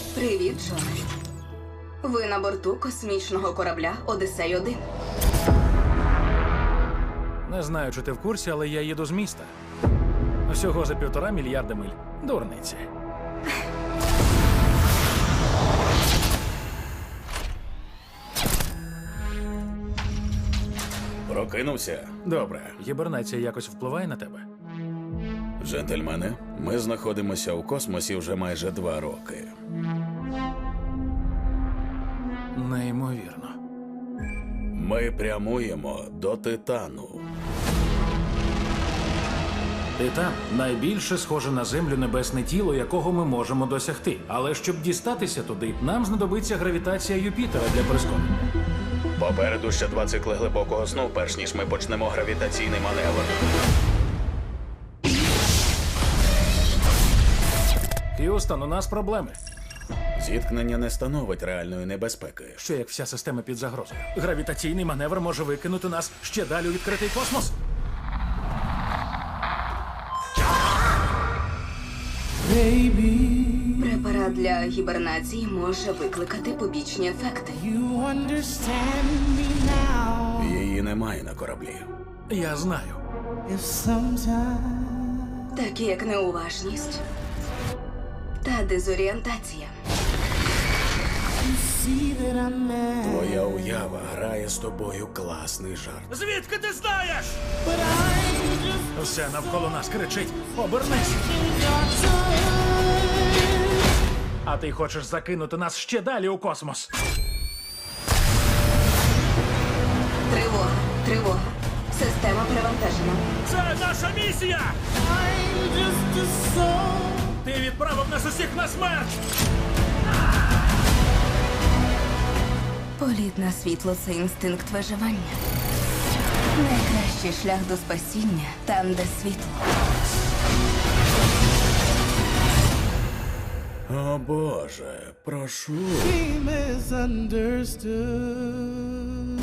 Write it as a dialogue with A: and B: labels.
A: Привіт, Джоне. Ви на борту космічного корабля «Одіссей-1».
B: Не знаю, чи ти в курсі, але я їду з міста. Всього за 1,5 мільярда миль. Дурниці.
C: Прокинувся?
B: Добре. Гібернація якось впливає на тебе?
C: Джентльмени, ми знаходимося у космосі вже майже 2 роки.
B: Неймовірно.
C: Ми прямуємо до Титану.
B: Титан – найбільше схоже на Землю небесне тіло, якого ми можемо досягти. Але щоб дістатися туди, нам знадобиться гравітація Юпітера для прискорення.
C: Попереду ще 2 цикли глибокого сну, перш ніж ми почнемо гравітаційний маневр.
B: Х'юстон, у нас проблеми.
C: Зіткнення не становить реальної небезпеки.
B: Що як вся система під загрозою? Гравітаційний маневр може викинути нас ще далі у відкритий космос.
A: Препарат для гібернації може викликати побічні ефекти.
C: Її немає на кораблі.
B: Я знаю.
A: Такі як неуважність та дезорієнтація.
C: Твоя уява грає з тобою класний жарт.
B: Звідки ти знаєш? Все навколо нас кричить: обернись! А ти хочеш закинути нас ще далі у космос?
A: Тривога, тривога. Система перевантажена.
B: Це наша місія! Ти відправив нас усіх на смерть!
A: Політ на світло – це інстинкт виживання. Найкращий шлях до спасіння – там, де світло.
C: О Боже, прошу.
D: He misunderstood.